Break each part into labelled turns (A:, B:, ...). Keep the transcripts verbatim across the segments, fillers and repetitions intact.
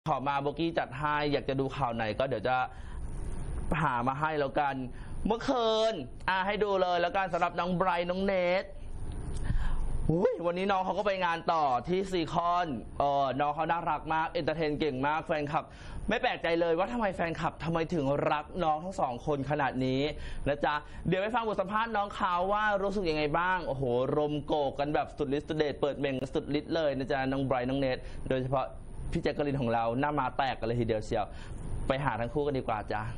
A: ขอมาโบกี้จัดให้อยากจะดูข่าวไหนก็เดี๋ยวจะหามาให้แล้วกันเมื่อคืนอ่ะให้ดูเลยแล้วกันสำหรับน้องไบรท์น้องเนทวันนี้น้องเขาก็ไปงานต่อที่ซีคอนเออน้องเขาน่ารักมากเอนเตอร์เทนเก่งมากแฟนคลับไม่แปลกใจเลยว่าทำไมแฟนคลับทำไมถึงรักน้องทั้งสองคนขนาดนี้นะจ๊ะเดี๋ยวไปฟังบทสัมภาษณ์น้องเขาว่ารู้สึกยังไงบ้างโอ้โหรมโกกกันแบบสุดฤทธิ์สุดเดชเปิดเมงสุดฤทธิ์เลยนะจ๊ะน้องไบรท์น้องเนทโดยเฉพาะพี่แจ็คกะลินของเราหน้ามาแตกกันเลยทีเดียวเชียวไปหาทั้งคู่กันดีกว่าจ้ะ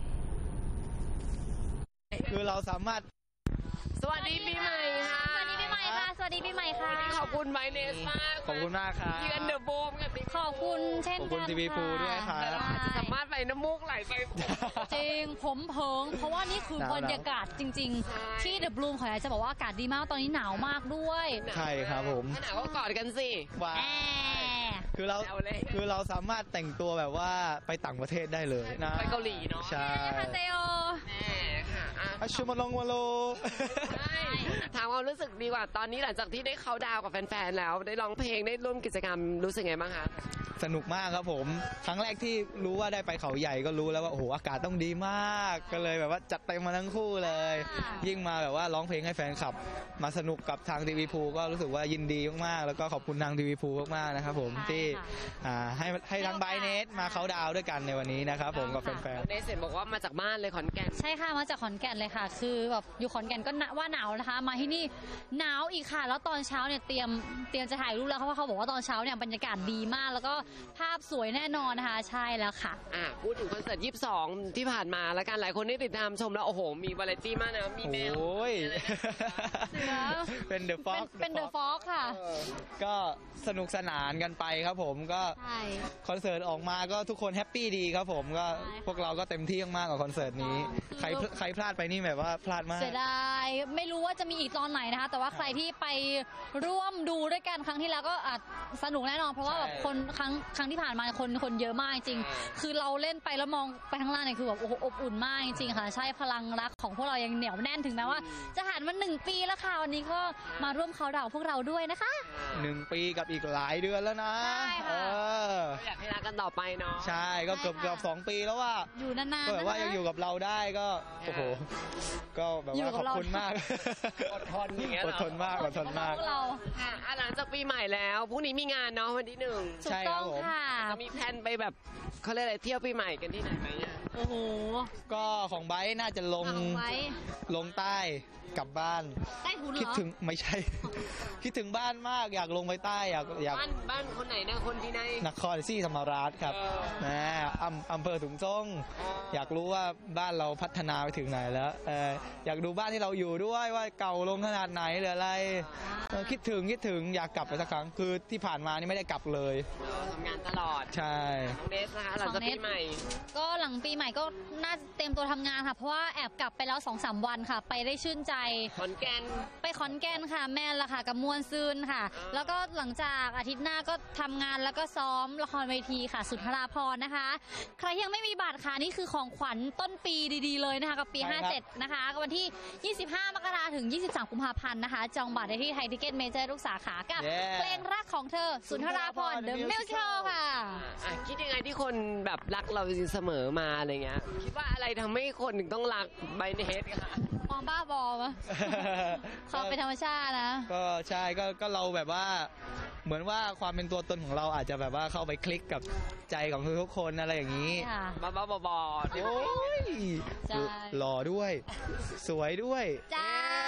B: คือเราสามารถ
C: สวัสดีปีใหม่ค่ะ
D: สวัสดีปีใหม่ค่ะสวัสดีปีใหม่ค่ะ
C: ขอบคุณไบเนสมาก
B: ขอบคุณมากครับ
C: ยืนเดอะโบมกับ
D: ขอบคุณเช่นกัน
B: ขอบคุณทีวีพูด้วยค่ะ
C: จะสามารถไปน้ำมูกไหลไป
D: จริงผมเพิงเพราะว่านี่คือบรรยากาศจริงๆที่เดอะบลูมขออยากจะบอกว่าอากาศดีมากตอนนี้หนาวมากด้วย
B: ใช่ครับผม
C: หนาวก็กอดกันสิ
B: ว้าคือเราคือเราสามารถแต่งตัวแบบว่าไปต่างประเทศได้เลยนะ
C: ไปเกาหลีเนาะ
B: ใช่
D: ค่ะเซโอ
C: แม่ค่ะ
B: อาชูมาลงวาโล
C: ถามความรู้สึกดีกว่าตอนนี้หลังจากที่ได้เข้าดาวกับแฟนๆแล้วได้ร้องเพลงได้ร่วมกิจกรรมรู้สึกไงบ้างคะ
B: สนุกมากครับผมครั้งแรกที่รู้ว่าได้ไปเขาใหญ่ก็รู้แล้วว่าโอ้โหอากาศต้องดีมากก็เลยแบบว่าจัดเต็มมาทั้งคู่เลยยิ่งมาแบบว่าร้องเพลงให้แฟนคลับมาสนุกกับทางทีวีพูก็รู้สึกว่ายินดีมากๆแล้วก็ขอบคุณทางทีวีพูมากๆนะครับผมที่ให้ให้ทั้งไบเนสมาเขาดาวด้วยกันในวันนี้นะครับผมกับแฟนๆ
C: เนสเห็นบอกว่ามาจากบ้านเลยขอนแก่น
D: ใช่ค่ะมาจากขอนแก่นเลยค่ะคือแบบอยู่ขอนแก่นก็ว่าหนาวนะคะมาที่นี่หนาวอีกค่ะแล้วตอนเช้าเนี่ยเตรียมเตรียมจะถ่ายรูปแล้วเพราะว่าเขาบอกว่าตอนเช้าเนี่ยบรรยากาศดีมากแล้วก็ภาพสวยแน่นอนนะคะใช่แล้วค่ะ
C: อ่ะพูดถึงคอนเสิร์ตยี่สิบสองที่ผ่านมาแล้วกันหลายคนได้ติดตามชมแล้วโอ้โหมีวาไรตี้มากนะมีแมว
B: โอ้ยเป็นเดอะฟ็อก
D: เป็นเดอะฟ็อกค่ะ
B: ก็สนุกสนานกันไปครับผมก็คอนเสิร์ตออกมาก็ทุกคนแฮปปี้ดีครับผมก็พวกเราก็เต็มที่มากกับคอนเสิร์ตนี้ใครใครพลาดไปนี่แบบว่าพลาดมาก
D: เสียดายไม่รู้ว่าจะมีอีกตอนไหนนะคะแต่ว่าใครที่ไปร่วมดูด้วยกันครั้งที่แล้วก็อาจสนุกแน่นอนเพราะว่าแบบคนครั้งครั้งที่ผ่านมาคนคนเยอะมากจริงคือเราเล่นไปแล้วมองไปข้างล่างเนี่ยคือแบบโอ้โหอบอุ่นมากจริงค่ะใช่พลังรักของพวกเรายังเหนียวแน่นถึงแม้ว่าจะผ่านมาหนึ่งปีแล้วค่ะวันนี้ก็มาร่วมเขาดาวพวกเราด้วยนะคะ
B: หนึ่งปีกับอีกหลายเดือนแล้วนะ
D: ใช่ค่ะ
C: อยากให้รักกันต่อไปเนาะ
B: ใช่ก็เกือบเกือบสองปีแล้วว่า
D: อยู่นานๆ
B: แบบว่ายังอยู่กับเราได้ก็โอ้โหก็แบบว่าขอบคุณมาก
C: อดทนอย่างเงี้ย
B: อดทนมากอดทนมาก
D: เรา
C: ค่ะหลังจากปีใหม่แล้วพรุ่งนี้มีงานเนาะวันที่หนึ่ง
D: ใช่ครับผม
C: จะมีแพลนไปแบบเขาเรียกอะไรเที่ยวปีใหม่กันที่ไหนไหมเนี่ย
D: โอ้โห
B: ก็ของไบร์ทน่าจะลงลงใต้กลับบ้าน
D: ใต้ถุนเหรอ
B: คิดถึงไม่ใช่คิดถึงบ้านมากอยากลงไปใต้อยากอยาก
C: บ้านบ้านคนไหนนะคนที่ไหน
B: นครศรีธรรมราชครับนะอำอำเภอถุงซ่งอยากรู้ว่าบ้านเราพัฒนาไปถึงไหนแล้วเอออยากดูบ้านที่เราอยู่ด้วยว่าเก่าลงขนาดไหนหรืออะไรคิดถึงคิดถึงอยากกลับไปสักครั้งคือที่ผ่านมานี่ไม่ได้กลับเลย
C: ทำงานตลอด
B: ใช่
C: น้องเนสนะคะหลังจากปีใหม่
D: ก็หลังปีใหม่ก็น่าเตรียมตัวทำงานค่ะเพราะว่าแอบกลับไปแล้ว สองสาม วันค่ะไปได้ชื่นใจ
C: ขอนแก่น
D: ไปขอนแก่นค่ะแม่ละค่ะกับมวลซืนค่ะแล้วก็หลังจากอาทิตย์หน้าก็ทำงานแล้วก็ซ้อมละครเวทีค่ะสุนทราภรณ์นะคะใครยังไม่มีบัตรค่ะนี่คือของขวัญต้นปีดีๆเลยนะคะกับปีห้าสิบเจ็ดนะคะวันที่ยี่สิบห้ามกราคมถึงยี่สิบสามกุมภาพันธ์นะคะจองบัตรได้ที่ไทยทิเก็ตเมเจอร์ทุกสาขากับเพลงรักของเธอสุนทราภรณ์ The Musical ค่ะ
C: คิดยังไงที่คนแบบรักเราเสมอมาอะไรเงี้ยคิดว่าอะไรทำให้คนถึงต้องรักไบเนสค่ะ
D: มองบ้าบอมะเขาเป็นธรรมชาตินะ
B: ก็ใช่ก็ก็เราแบบว่าเหมือนว่าความเป็นตัวตนของเราอาจจะแบบว่าเข้าไปคลิกกับใจของทุกคนอะไรอย่างนี้
C: บ้าบ้าบอ
B: โอ้ยหล่อด้วยสวยด้วย
D: จ้า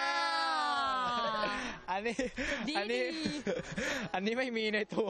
B: อันนี้อันนี้อันนี้ไม่มีในตัว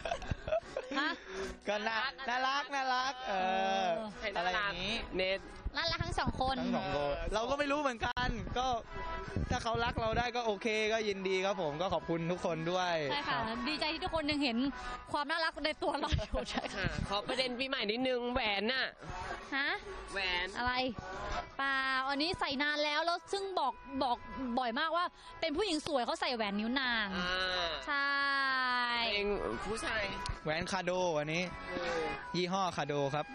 B: ก็น่าน่ารักน่ารักเอออะไรอย่างนี้
C: เนท
D: น่ารักทั้งสองคน
B: ทั้งสองคนเราก็ไม่รู้เหมือนกันก็ถ้าเขารักเราได้ก็โอเคก็ยินดีครับผมก็ขอบคุณทุกคนด้วย
D: ใช่ค่ะดีใจที่ทุกคนยังเห็นความน่ารักในตัวเราอยู่ใช่
C: ค่ะขอประเด็นปีใหม่นิดนึงแหวนน่ะ
D: ฮะ
C: แหวน
D: อะไรเปล่าอันนี้ใส่นานแล้วแล้วซึ่งบอกบอกบ่อยมากว่าเป็นผู้หญิงสวยเขาใส่แหวนนิ้วนางใช่
C: เองผู้ชาย
B: แหวนคาโดอันนี้ยี่ห้อคาโดครับ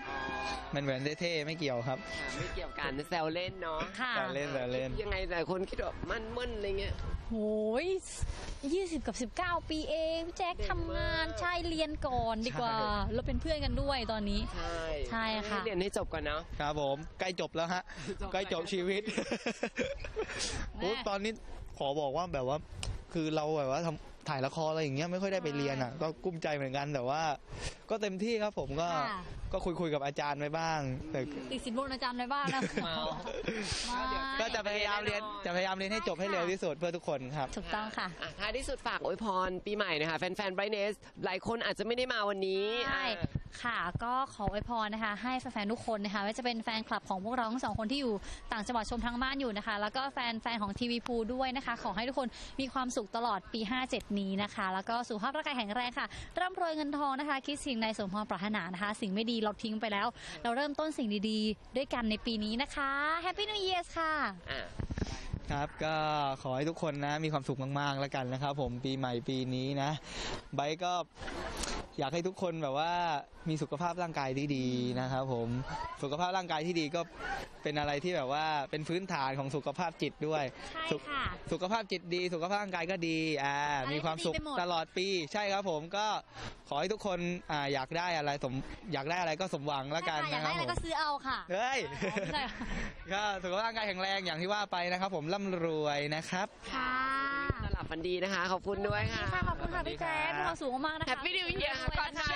B: มันเหมือนเท่ๆไม่เกี่ยวครับ
C: ค่ะไม่เกี่ยวกันแซวเล่นเนาะ
D: ค่ะ
B: แซวเล่นแซวเล่น
C: ยังไงหลายคนคิดว่ามันมึนอะไรเงี้ย
D: โอ้ยยี่สิบกับสิบเก้าปีเองพี่แจ็ค
C: เด็กมาก
D: ทำงานใช่เรียนก่อนดีกว่า แล้วเป็นเพื่อนกันด้วยตอนนี้
C: ใช่
D: ใช่ค่ะ
C: ให้เรียนให้จบก่อนเนาะ
B: ครับผมใกล้จบแล้วฮะ
C: จบ
B: ใกล้จบชีวิต
D: แม่
B: โอ้ตอนนี้ขอบอกว่าแบบว่า คือเราแบบว่าทำถ่ายละครอะไรอย่างเงี้ยไม่ค่อยได้ไปเรียนอ่ะ ก็กุ้มใจเหมือนกันแต่ว่า ก็เต็มที่ครับผมก็
D: ค่ะ
B: ก็คุยคุยๆกับอาจารย์ไว้บ้างแต่
D: ติดสินบนอาจารย์ในบ้านนะ
C: เมา
D: ไม่
B: ก็จะพยายามเรียนจะพยายามเรียนให้จบให้เร็วที่สุดเพื่อทุกคนครับ
D: ถูกต้องค่ะ
C: อ่ท้ายที่สุดฝากอวยพรปีใหม่นะคะแฟนๆไบรเนสหลายคนอาจจะไม่ได้มาวันนี้
D: ใช่
C: อ่า
D: ค่ะ ก็ขออวยพรนะคะ ให้แฟนๆทุกคนนะคะไม่ว่าจะเป็นแฟนคลับของพวกเราทั้งสองคนที่อยู่ต่างจังหวัดชมทางบ้านอยู่นะคะ แล้วก็แฟนแฟนของทีวีพูด้วยนะคะ ขอให้ทุกคนมีความสุขตลอดปีห้าเจ็ดนี้นะคะ แล้วก็สุขภาพร่างกายแข็งแรงค่ะ ร่ำรวยเงินทองนะคะ คิดสิ่งใดสมความปรารถนานะคะ สิ่งไม่ดีเราทิ้งไปแล้ว เราเริ่มต้นสิ่งดีๆ ด้วยกันในปีนี้นะคะ Happy New Year ค่ะ
C: อ่ะ
B: ครับก็ขอให้ทุกคนนะมีความสุขมากๆแล้วกันนะครับผมปีใหม่ปีนี้นะไบร์ทก็อยากให้ทุกคนแบบว่ามีสุขภาพร่างกายที่ดีนะครับผมสุขภาพร่างกายที่ดีก็เป็นอะไรที่แบบว่าเป็นพื้นฐานของสุขภาพจิตด้วย
D: ใช่
B: สุข
D: ค่ะ
B: สุขภาพจิตดี สุขภาพร่างกายก็ดีอ่า
D: อะไร
B: มีความสุข
D: ก็ดีไปหมด
B: ตลอดปีใช่ครับผมก็ขอให้ทุกคนอ่าอยากได้อะไรสมอยากได้อะไรก็สมหวังแล้วกัน
D: ใช่ค่ะอยา
B: นะ
D: ก
B: ค
D: ได้
B: รับ
D: อะไร
B: ผม
D: ก็ซื้อเอาค่ะ
B: เฮ้ย
D: ไม่ใช่ค่ะ
B: ก็สุขภาพร่างกายแข็งแรงอย่างที่ว่าไปนะครับ ผมร่ำรวยนะครับ
D: ค่ะ
C: สลับฟันดีนะคะ ขอบคุณด้วยค่ะ
D: ค่ะขอบคุณค่ะพี่แจ๊คมีความสุขมากๆนะคะ
C: Happy New Year ค่ะก่อนค่ะ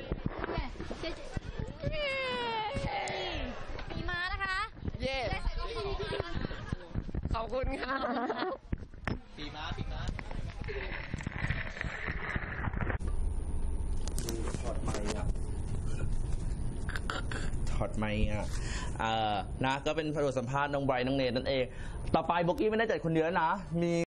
D: มีม้านะคะ
C: เย่ขอบคุณค่ะ
B: ปีม้าปีม้า
A: ถอดไมค์อ่ะถอดไมค์อ่ะเอ่อนะก็เป็นบทสัมภาษณ์น้องไบรท์น้องเนทนั่นเอง ต่อไปโบกี้ไม่ได้จัดคนเดียวแล้วนะมี